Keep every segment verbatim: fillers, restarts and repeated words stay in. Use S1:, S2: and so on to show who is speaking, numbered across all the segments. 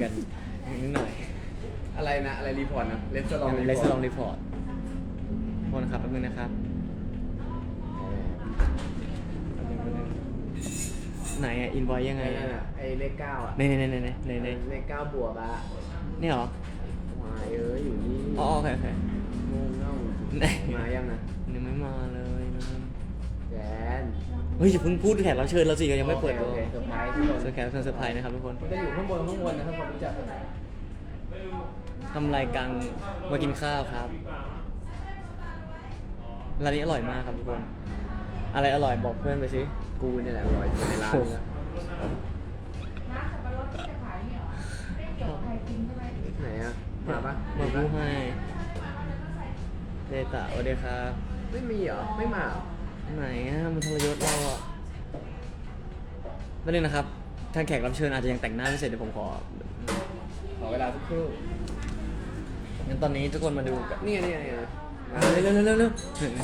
S1: กันนิดหน่อย
S2: อะไรนะอะไรรีพอร์ตนะเลสลอง
S1: เลสลองรีพอร์ตโทษนะครับแป๊บนึงนะครับแป๊บนึงแป๊บนึงไหนอะอินวอยยังไง
S2: ไอ้นั่นอะไอ้เลขเก้าอ่ะ
S1: ในในในในในในใน
S2: เลขเก้าบวกอ่ะ
S1: นี่เหรอ
S2: วายเอ้ยอยู่นี่
S1: อ๋อโอเคโอเค
S2: งงเง่า
S1: ไหน
S2: มายังนะ
S1: ยังไม่มาเลยนะ
S2: แจน
S1: เฮ้ยอย่าเพิ่งพูดแขกรับเชิญเราสิยังไม่เปิด
S2: โอ
S1: ตัว
S2: เคโอเคเซอร์ไพรส์ทุกคน
S1: เซอร์แขกรับเชิญเซอร์ไพรส์นะครับทุกคน
S2: มันจะอยู่ข้างบนข้างบนนะครับผมรู้จัก
S1: ทำรายการมากินข้าวครับร้านนี้อร่อยมากครับทุกคน อะไรอร่อยบอกเพื่อนไปสิ
S2: กูเนี่ยแหละอร่อยสุดในร้านเลยนะไหนอ่ะมาปะ
S1: มาพูดให้เดต้าสวัสดีครับ
S2: ไม่มีเหรอไม่มาเหรอ
S1: ไหนอะมันทรยศเราอ่ะนั่นเองนะครับทางแขกรับเชิญอาจจะยังแต่งหน้าไม่เสร็จเดี๋ยวผมขอ
S2: ขอเวลาสักครู่
S1: งั้นตอนนี้ทุกคนมาดูกัน
S2: นี่ไงนี่ไงนี่ไง
S1: อ่ะเร็วเร็วเร็วเร็วเร็ว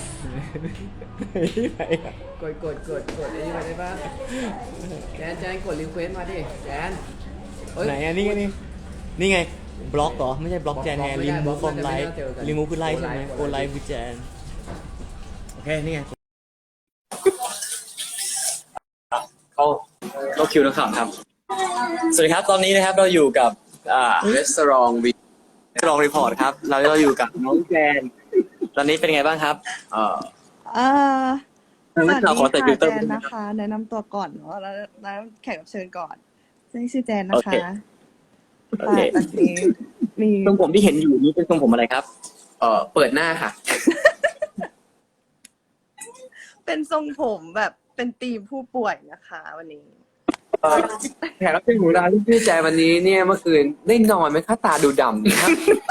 S1: ไหนอะ
S2: กดกดกดกดไอ้นี่มาได้ปะแจนแจนกดรีเควสมาดิแจนเอ้ย
S1: ไหนอะนี่ไงนี่นี่ไงบล็อกเหรอไม่ใช่บล็อกแจนไง
S2: บล็อกไม่
S1: รี
S2: ได้
S1: มูฟ
S2: บ
S1: ฟ
S2: ล็
S1: อ
S2: อก
S1: ร์ม
S2: มัน
S1: ไล
S2: จะไม่
S1: ท์
S2: น่าเจอกัน
S1: รีมูฟคือไลท์ใช่ไหม
S2: โอ
S1: โอ
S2: ไล
S1: ไล
S2: ท์
S1: ท์คือแจนโอเคนี่ไงเข้าเข้าคิวนักข่าวครับ สวัสดีครับตอนนี้นะครับเราอยู่กับอ่า
S2: รีสอร์ทวี
S1: ลองรีพอร์ตครับเราเราอยู่กับน้องแจนตอนนี้เป็นไงบ้างครับเอ่อ
S3: เอ่อส
S1: นั
S3: วั
S1: ก
S3: ส
S1: ข่าว
S3: ดี
S1: ขอใส่
S3: ค่ะ
S1: ฟิลเต
S3: แจ
S1: อร์
S3: นนะคะ แนะนำตัวก่อนเนาะแล้วแล้วแขกรับเชิญก่อนซึ่งชื่อแจนนะ
S1: โอ
S3: คะ
S1: เค โอเค
S3: ค่ะตอนนี้มี
S1: ทรงผมที่เห็นอยู่นี่เป็นทรงผมอะไรครับ
S2: เอ่อเปิดหน้าค่ะ
S3: เป็นทรงผมแบบเป็นธีมผู้ป่วยนะคะ วันนี้
S2: แขกรับเชิญของเราที่ชื่อแจนวันนี้เนี่ยเมื่อคืนได้นอนไหมคะตาดูดำเนี่ยครับ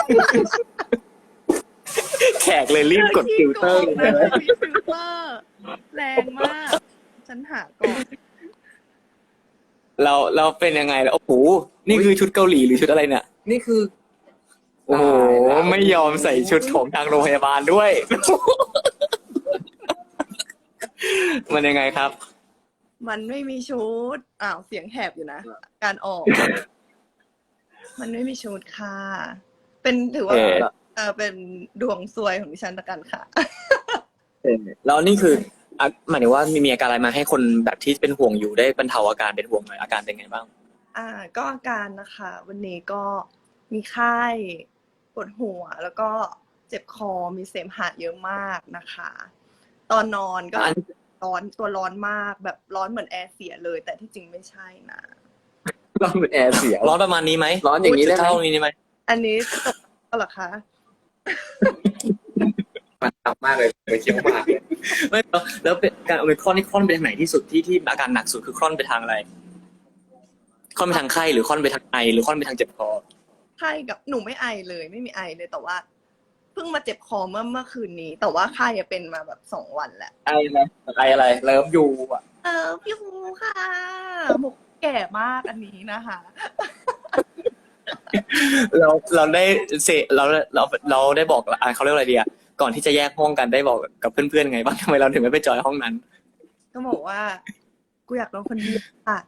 S1: แขกเลยรีบกดฟิลเตอร์
S3: ขี้โกงนะมีฟิลเตอร์แรงมาก ฉันหาก่อน
S1: เราเราเป็นยังไงแล้วโอ้โหนี่คือชุดเกาหลีหรือชุดอะไรเนี่ย
S2: นี่คือ
S1: โอ้โหไม่ยอมใส่ชุดของทางโรงพยาบาลด้วย มันยังไงครับ
S3: มันไม่มีชุดอ้าวเสียงแหบอยู่นะ การออก มันไม่มีชุดค่ะ เป็นถือว่า
S1: เออ
S3: เออเป็นดวงซวยของดิฉันละกันค่ะ
S1: แล้วนี่คืออ่ะหมายถึงว่ามีมีอาการอะไรมาให้คนแบบที่เป็นห่วงอยู่ได้บรรเทาอาการเป็นห่วงหน่อยอาการเป็นไงบ้าง
S3: อ่าก็อาการนะคะ วันนี้ก็มีไข้ปวดหัว แล้วก็เจ็บคอมีเสมหะเยอะมากนะคะ ตอนนอนก็
S1: อัน
S3: ร้อนตัวร้อนมากแบบร้อนเหมือนแอร์เสียเลย แต่ที่จริงไม่ใช่นะ
S2: ร้อนเหมือนแอร์เสีย
S1: ร้อนประมาณนี้ไหม
S2: ร้อนอย่างนี้ได้ไหม
S1: เท่านี้ไหม
S3: อันนี้ตกแล้วเหรอคะ
S2: มันตับมากเลยไปเคี้ยวหมากเลย
S1: ไม่แล้วแล้วเป็นการโอมิครอนนี่คลอนไปทางไหนที่สุดที่ที่อาการหนักสุดคือคลอนไปทางอะไรคลอนไปทางไข้หรือคลอนไปทางไอหรือคลอนไปทางเจ็บคอ
S3: ไข้กับหนูไม่ไอเลย ไม่มีไอเลยแต่ว่า เพิ่งมาเจ็บคอเมื่อเมื่อคืนนี้ แต่ว่าไข้อะเป็นมาแบบสองวันแหละ
S1: ไออะไรไออะไรเลิฟยูอ่ะ
S3: เออพี่ฮูค่ะบุกแก่มากอันนี้นะคะ
S1: เราเราได้เสเราเราเราได้บอกอ่ะเขาเรียกอะไรดีอ่ะก่อนที่จะแยกห้องกันได้บอกกับเพื่อนๆไงบ้างทำไมเราถึงไม่ไปจอยห้องนั้น
S3: ก็บอกว่า กูอยากนอนคนเดียวค่ะ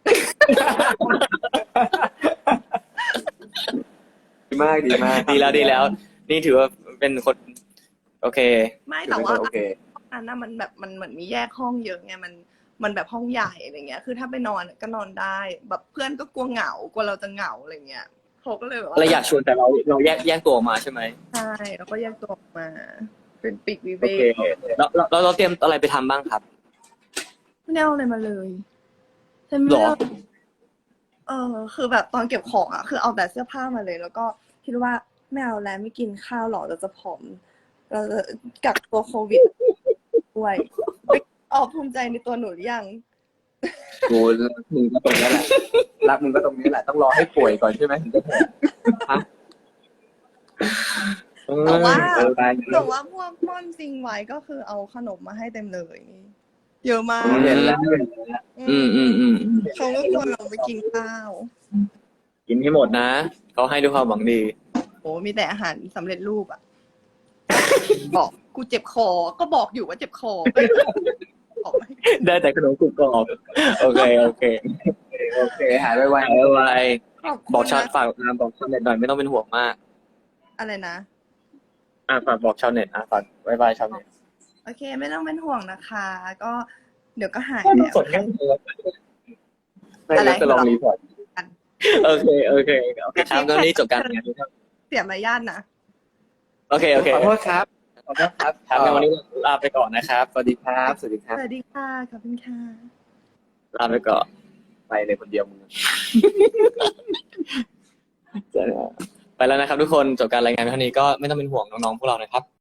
S2: ดีมากดีมาก
S1: ดีแล้วดีแล้ว นี่ถือว่าเป็นคน โอเค
S3: ไม่แต่ว่า
S2: โอเค
S3: ห้องนั้นน่ะมันแบบมันเหมือนมีแยกห้องเยอะไงมันมันแบบห้องใหญ่อะไรเงี้ย คือถ้าไปนอนก็นอนได้ แบบเพื่อนก็กลัวเหงากลัวเราจะเหงาอะไรเงี้ยเขาก็เลยแบบว่า
S1: เราอยากชวนแต่เราเราแยกแยกตัวออกมาใช่ไหม
S3: ใช่แล้วก็แยกตัวออกมา เป็นปีกวิเว
S1: โอเค
S3: ก
S1: แล้วเราเราเตรียมอะไรไปทำบ้างครับ
S3: ไม่ได้เอาอะไรมาเลยใช่ไหม
S1: หรอ
S3: เออ คือแบบตอนเก็บของอ่ะ คือเอาแต่เสื้อผ้ามาเลย แล้วก็คิดว่าไม่เอาแล้วไม่กินข้าวหรอกเราจะผอม เราจะกักตัวโควิดด้วยออกภูมิใจในตัวหนูหรือยัง
S2: กูรักมึงก็ตรงนี้แหละรักมึงก็ตรงนี้แหละต้องรอให้ป่วยก่อนใช่ไหมถึงจะแพ้ฮะ
S3: แต่ว่า
S2: เออได้
S3: แต่ว่าพวกม่อนซิงไว้ก็คือเอาขนมมาให้เต็มเลยนี่เยอะมาก
S2: เห็นแล้ว
S1: อืมอืมอืม
S3: เขาก็ชวนเราไปกินข้าว
S1: กินให้หมดนะเขาให้ด้วยความหวังดี
S3: โอ้มีแต่อาหารสำเร็จรูปอ่ะ บอกกูเจ็บคอ ก็บอกอยู่ว่าเจ็บคอบอกไม่
S1: ได้แต่ขนมกรุบกรอบโอเคโอเค
S2: โอเคหายไปไว
S1: ไปไว
S3: ขอบคุณ
S1: บอกชาว
S3: นะ
S1: ฝากบอกชาวเน็ตหน่อยไม่ต้องเป็นห่วงมาก
S3: อะไรนะ
S1: อ่ะฝากบอกชาวเน็ตอ่ะฝากบายบายชาวเน็ต
S3: โอเค ไม่ต้องเป็นห่วงนะคะ ก็เดี๋ยวก็หาย
S1: ก็
S3: แล้ว
S1: สดง่ายเลย
S2: ไม่
S3: อะไร
S2: รู้จะลองรีพอร์ต
S1: โอเคโอเคโอเคครับตอนนี้จบการงานครับ
S3: เสียมารยาทนะ
S1: โอเคโอเค
S2: ขอโทษครับขอโทษครับ
S1: ครับงั้นวันนี้ลาไปก่อนนะครับสวัสดี
S2: ครับสวัสดีครับ
S3: สวัสดีค่ะ ขอบคุณค่ะ
S1: ลาไปก่อน
S2: ไปเลยคนเดียวมึง
S1: ไปแล้วนะครับทุกคนจบการรายงานเท่านี้ก็ไม่ต้องเป็นห่วงน้องๆพวกเรานะครับ